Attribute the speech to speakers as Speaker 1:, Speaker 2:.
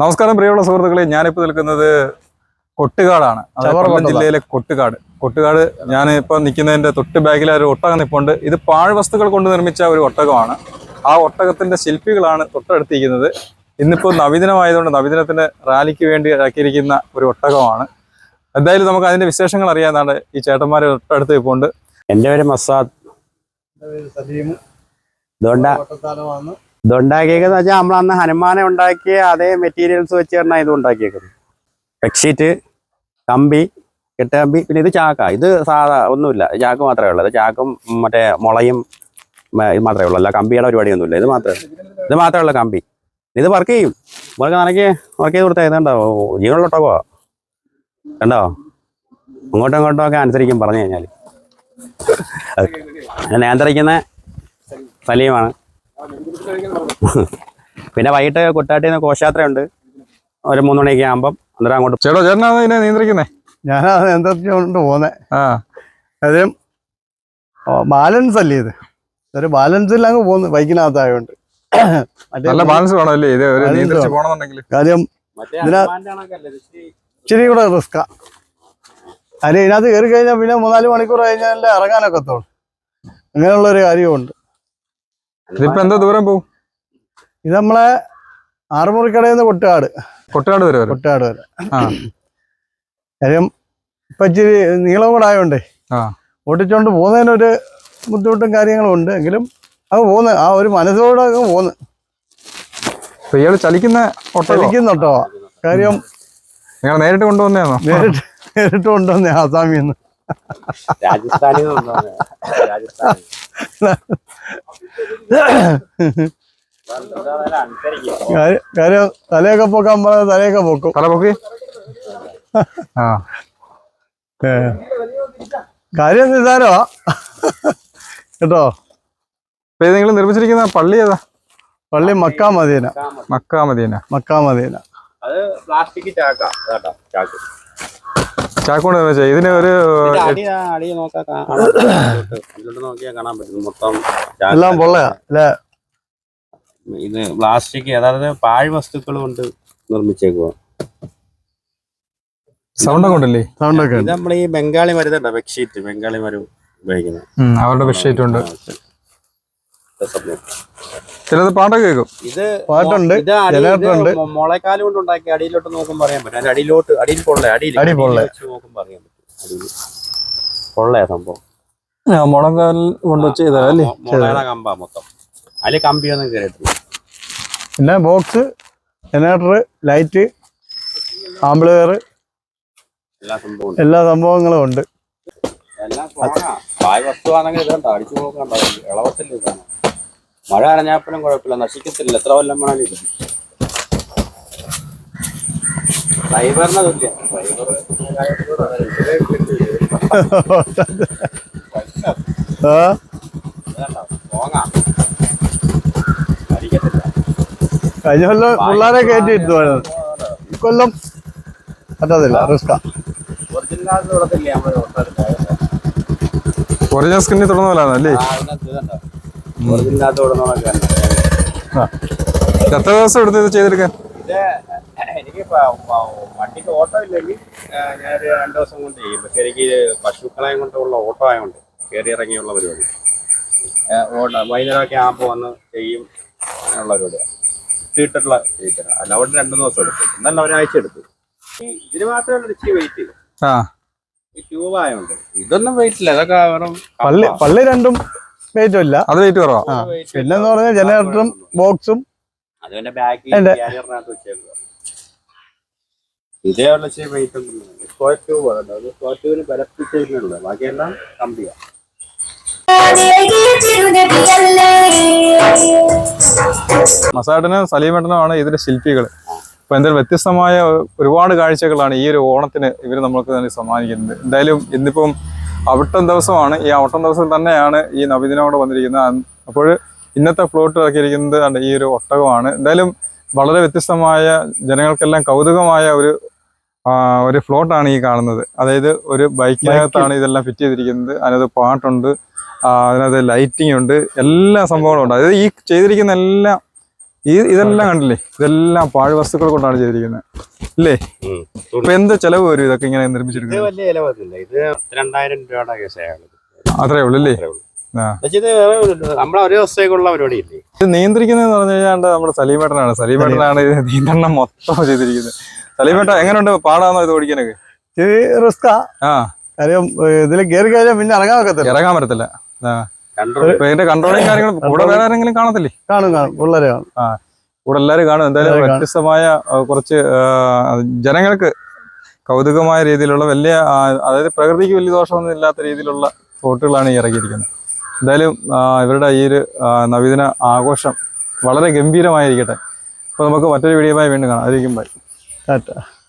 Speaker 1: നമസ്കാരം പ്രിയമുള്ള സുഹൃത്തുക്കളെ, ഞാനിപ്പോൾ നിൽക്കുന്നത് കൊട്ടുകാടാണ്. കൊല്ലം ജില്ലയിലെ കൊട്ടുകാട് ഞാൻ ഇപ്പോൾ നിൽക്കുന്നതിന്റെ തൊട്ട് ബാക്കിൽ ഒരു ഒട്ടകം നിൽപ്പുണ്ട്. ഇത് പാഴ്വസ്തുക്കൾ കൊണ്ട് നിർമ്മിച്ച ഒരു ഒട്ടകമാണ്. ആ ഒട്ടകത്തിന്റെ ശില്പികളാണ് തൊട്ടടുത്തിരിക്കുന്നത്. ഇന്നിപ്പോൾ നവീനമായതുകൊണ്ട് നവീനത്തിന് റാലിക്ക് വേണ്ടി ഇറക്കിയിരിക്കുന്ന ഒരു ഒട്ടകമാണ്. എന്തായാലും നമുക്ക് അതിന്റെ വിശേഷങ്ങൾ അറിയാനാണ് ഈ ചേട്ടന്മാരെ തൊട്ടടുത്ത് നിൽപ്പുണ്ട്.
Speaker 2: എൻ്റെ പേര് മസാദ്. ഇതുണ്ടാക്കിയേക്കെന്ന് വെച്ചാൽ നമ്മൾ അന്ന് ഹനുമാനെ ഉണ്ടാക്കിയ അതേ മെറ്റീരിയൽസ് വെച്ച് തന്നെ ഇത് ഉണ്ടാക്കിയേക്കുന്നത്. ബെഡ്ഷീറ്റ്, കമ്പി, കെട്ടുകമ്പി, പിന്നെ ഇത് ചാക്ക. ഇത് സാധാ ഒന്നുമില്ല, ചാക്ക് മാത്രമേ ഉള്ളൂ. ഇത് ചാക്കും മറ്റേ മുളയും ഇത് മാത്രമേ ഉള്ളൂ, അല്ല കമ്പിയുടെ പരിപാടിയൊന്നുമില്ല. ഇത് മാത്രമേ ഉള്ളൂ കമ്പി. ഇത് വർക്ക് ചെയ്യും. നമുക്ക് നനയ്ക്ക് വർക്ക് ചെയ്ത് കൊടുത്താൽ ഇതുണ്ടോ ജീവനുള്ളൊട്ടകോ കണ്ടോ, അങ്ങോട്ടും ഇങ്ങോട്ടും ഒക്കെ അനുസരിക്കും പറഞ്ഞു കഴിഞ്ഞാൽ. നിയന്ത്രിക്കുന്ന സലീമാണ്. പിന്നെ വൈകിട്ട് കുട്ടാട്ടിൽ നിന്ന് ഘോഷയാത്രയുണ്ട് ഒരു 3 മണിയൊക്കെ ആകുമ്പം. അന്നേരം അങ്ങോട്ട്
Speaker 1: ചേട്ടനാണ് ഇതിനെ നിയന്ത്രിക്കുന്നേ?
Speaker 3: ഞാനത് നിയന്ത്രിച്ചുകൊണ്ട് പോന്നെ. അത് ബാലൻസ് അല്ലേ, ഇത് ഒരു ബാലൻസിൽ അങ്ങ് പോന്നു ബൈക്കിനകത്തായോണ്ട്.
Speaker 1: നല്ല ബാലൻസ് വേണമല്ലേ ഇത്
Speaker 3: കാര്യം. ഇച്ചിരി കൂടെ റിസ്കാ. അതിന് ഇതിനകത്ത് കയറി കഴിഞ്ഞാൽ പിന്നെ 3-4 മണിക്കൂർ കഴിഞ്ഞാൽ ഇറങ്ങാനൊക്കെ തോന്നും. അങ്ങനെയുള്ളൊരു കാര്യമുണ്ട്.
Speaker 1: ഇതിപ്പോ എന്താ ദൂരം പോവും?
Speaker 3: ഇത് നമ്മളെ ആറുമുറിക്കടയിൽ നിന്ന് കൊട്ടുകാട് വരെ. കാര്യം ഇപ്പൊ ഇച്ചിരി നീളം കൂടെ ആയോണ്ടേ ഓട്ടിച്ചോണ്ട് പോകുന്നതിനൊരു ബുദ്ധിമുട്ടും കാര്യങ്ങളും ഉണ്ട്. എങ്കിലും അത് പോന്ന് ആ ഒരു മനസ്സോടെ അങ്ങ് പോന്ന്.
Speaker 1: ഇയാള് ചലിക്കുന്നുണ്ടോ?
Speaker 3: കാര്യം
Speaker 1: നിങ്ങൾ നേരിട്ട് കൊണ്ടുവന്നേന്നോ?
Speaker 3: നേരിട്ട് കൊണ്ടുവന്നേ ആസാമിൽ നിന്ന്. കാര്യം തലയൊക്കെ പോക്കാൻ പറഞ്ഞ തലയൊക്കെ പോക്കും.
Speaker 1: തല പൊക്കി
Speaker 3: കാര്യം നിസാരമാ കേട്ടോ.
Speaker 1: നിങ്ങൾ നിർമ്മിച്ചിരിക്കുന്ന പള്ളി ഏതാ?
Speaker 3: പള്ളി മക്കാ മദീന.
Speaker 1: ചാക്കോണ്ട് നിർമ്മിച്ച ഇതിന് ഒരു
Speaker 3: എല്ലാം പൊള്ളയാ അല്ലേ?
Speaker 2: ഇത് പ്ലാസ്റ്റിക്, അതായത് പാഴ്വസ്തുക്കൾ കൊണ്ട് നിർമ്മിച്ചേക്കുക.
Speaker 1: സൗണ്ട് കൊണ്ടല്ലേ?
Speaker 3: സൗണ്ടൊക്കെ
Speaker 2: ഇത് നമ്മൾ ഈ ബംഗാളി മരുന്നുണ്ടോ, ബെഡ്ഷീറ്റ്, ബംഗാളി മരം ഉപയോഗിക്കുന്നത്.
Speaker 1: അവരുടെ ബെഡ്ഷീറ്റ് ഉണ്ട്. ചിലത് പാട്ടൊക്കെ കേൾക്കും.
Speaker 2: ഇത് പാട്ടുണ്ട്, മുളക്കാല് കൊണ്ട് ഉണ്ടാക്കി അടിയിലോട്ട് നോക്കുമ്പോൾ അറിയാൻ പറ്റും. അടിയിൽ നോക്കുമ്പോൾ അറിയാൻ പറ്റും. പൊള്ളയാ സംഭവം.
Speaker 1: മുളകാൽ കൊണ്ട് ചെയ്തല്ലേ?
Speaker 2: മുളയുടെ കമ്പാ മൊത്തം. അതിൽ കമ്പിയൊന്നും കയറിയിട്ടില്ല.
Speaker 3: പിന്നെ ബോക്സ്, ജനറേറ്റർ, ലൈറ്റ്, ആംബ്ലിഫയർ, എല്ലാ സംഭവങ്ങളും ഉണ്ട്.
Speaker 2: എല്ലാം വസ്തുവാണെങ്കിൽ ഇതുണ്ടോ, അടിച്ചു നോക്കണ്ടോ, ഇളവത്തില്ല. ഇതാണ് മഴ അരഞ്ഞാപ്പനും കുഴപ്പമില്ല, നശിക്കത്തില്ല. എത്ര കൊല്ലം വേണമെങ്കിലും ഇത് ഫൈബറിനെ തുല്യ.
Speaker 3: കഴിഞ്ഞ കൊല്ലം പിള്ളേരെ കയറ്റി ഇരുത്തുവാണ്. ഇക്കൊല്ലം പറ്റത്തില്ല, റിസ്കാ.
Speaker 1: ഒറിജിനൽ സ്കിന്നിൽ തുടർന്നല്ലേ? എത്ര ദിവസം എടുത്ത് ഇത് ചെയ്തെടുക്കാൻ?
Speaker 2: എനിക്ക് വണ്ടിക്ക് ഓട്ടോ ഇല്ലെങ്കിൽ ഞാനൊരു 2 ദിവസം കൊണ്ട് ചെയ്യും. പക്ഷെ എനിക്ക് പശുക്കളെയും കൊണ്ടുള്ള ഓട്ടോ ആയതുകൊണ്ട് കയറി ഇറങ്ങിയുള്ള പരിപാടി. വൈകുന്നേരമൊക്കെ ആകുമ്പോൾ വന്ന് ചെയ്യും. അങ്ങനെയുള്ള പരിപാടിയാണ്. ഇട്ടിട്ടുള്ള ചെയ്തിട്ടാണ്. അല്ല അവിടെ 2 ദിവസം എടുത്തു, എന്നല്ല ഒരാഴ്ച എടുത്തു. ഇതിന് മാത്രമേ ഇച്ചിരി വെയിറ്റ് ചെയ്തു. ഈ ട്യൂബ് ആയതുകൊണ്ട് ഇതൊന്നും വെയിറ്റ് ഇല്ല. ഇതൊക്കെ
Speaker 3: പള്ളി രണ്ടും വെയിറ്റും ഇല്ല, അത് വെയിറ്റ് കുറവാ. പിന്നെന്ന് പറഞ്ഞാൽ ജനറേറ്ററും ബോക്സും
Speaker 2: അതിന്റെ ബാക്കിൽ വെച്ചേക്കുക. ഇതേ ഉള്ള വെയിറ്റ് ഒന്നും. സ്ക്വയർ ട്യൂബ് ആണ്. സ്ക്വയർ ട്യൂബിന് പരപ്പിച്ചുള്ളത്, ബാക്കിയെല്ലാം കമ്പിയാണ്.
Speaker 1: മസാട്ടനും സലീമേട്ടനുമാണ് ഇതിന്റെ ശില്പികൾ. അപ്പൊ എന്തായാലും വ്യത്യസ്തമായ ഒരുപാട് കാഴ്ചകളാണ് ഈ ഒരു ഓണത്തിന് ഇവർ നമ്മൾക്ക് തന്നെ സമ്മാനിക്കുന്നത്. എന്തായാലും ഇന്നിപ്പം അവിട്ടം ദിവസമാണ്. ഈ അവിട്ടം ദിവസം തന്നെയാണ് ഈ നബിദിനോട് വന്നിരിക്കുന്നത്. അപ്പോൾ ഇന്നത്തെ ഫ്ലോട്ട് ഇറക്കിയിരിക്കുന്നത് ഈ ഒരു ഒട്ടകമാണ്. എന്തായാലും വളരെ വ്യത്യസ്തമായ, ജനങ്ങൾക്കെല്ലാം കൗതുകമായ ഒരു ഫ്ലോട്ടാണ് ഈ കാണുന്നത്. അതായത് ഒരു ബൈക്കിനകത്താണ് ഇതെല്ലാം ഫിറ്റ് ചെയ്തിരിക്കുന്നത്. അതിനകത്ത് പാട്ടുണ്ട്, അതിനകത്ത് ലൈറ്റിംഗ് ഉണ്ട്, എല്ലാ സംഭവങ്ങളും ഉണ്ട്. അതായത് ഈ ചെയ്തിരിക്കുന്ന എല്ലാം ഇതെല്ലാം കണ്ടില്ലേ, ഇതെല്ലാം പാഴ്വസ്തുക്കൾ കൊണ്ടാണ് ചെയ്തിരിക്കുന്നത് ഇല്ലേ? ഇപ്പൊ എന്ത് ചെലവ് വരും ഇതൊക്കെ ഇങ്ങനെ
Speaker 2: ഇത്
Speaker 1: നിർമ്മിച്ചെടുക്കുന്നത്?
Speaker 2: വലിയ ചിലവൊന്നുമില്ല. ഇത് 2000 രൂപയുടെ കേസാണ്.
Speaker 1: അത്രേ ഉള്ളൂ അല്ലേ?
Speaker 2: ഇത് നമ്മളെ ഒരു ദിവസത്തേക്കുള്ള പരിപാടി ഇല്ലേ.
Speaker 1: ഇത് നിയന്ത്രിക്കുന്നതെന്ന് പറഞ്ഞു കഴിഞ്ഞാൽ നമ്മുടെ സലീമേട്ടനാണ്. സലീമേട്ടനാണ് ഇത് നിയന്ത്രണം മൊത്തം ചെയ്തിരിക്കുന്നത്. സലീമേട്ട എങ്ങനെയുണ്ട്, പാടാന്നോ ഇത് ഓടിക്കാനൊക്കെ?
Speaker 3: ഇച്ചിരി റിസ്കാ.
Speaker 1: ആ,
Speaker 3: കാര്യം ഇതിൽ കയറി കഴിഞ്ഞാൽ പിന്നെ ഇറങ്ങാൻ വെക്കത്തില്ല,
Speaker 1: ഇറങ്ങാൻ പറ്റത്തില്ല. ഇപ്പൊ ഇതിന്റെ കൺട്രോളിങ് കാര്യങ്ങളും കൂടെ വേറെ ആരെങ്കിലും കാണത്തില്ലേ?
Speaker 3: കാണും പിള്ളേരെ കാണും.
Speaker 1: കൂടെ എല്ലാവരും കാണും. എന്തായാലും വ്യത്യസ്തമായ കുറച്ച് ജനങ്ങൾക്ക് കൗതുകമായ രീതിയിലുള്ള വലിയ അതായത് പ്രകൃതിക്ക് വലിയ ദോഷമൊന്നും ഇല്ലാത്ത രീതിയിലുള്ള ഫോട്ടുകളാണ് ഈ ഇറക്കിയിരിക്കുന്നത്. എന്തായാലും ഇവരുടെ ഈ ഒരു നബിദിന ആഘോഷം വളരെ ഗംഭീരമായിരിക്കട്ടെ. അപ്പോൾ നമുക്ക് മറ്റൊരു വീഡിയോയുമായി വീണ്ടും കാണാം. അതിരിക്കും ബൈ.
Speaker 3: ടാറ്റ.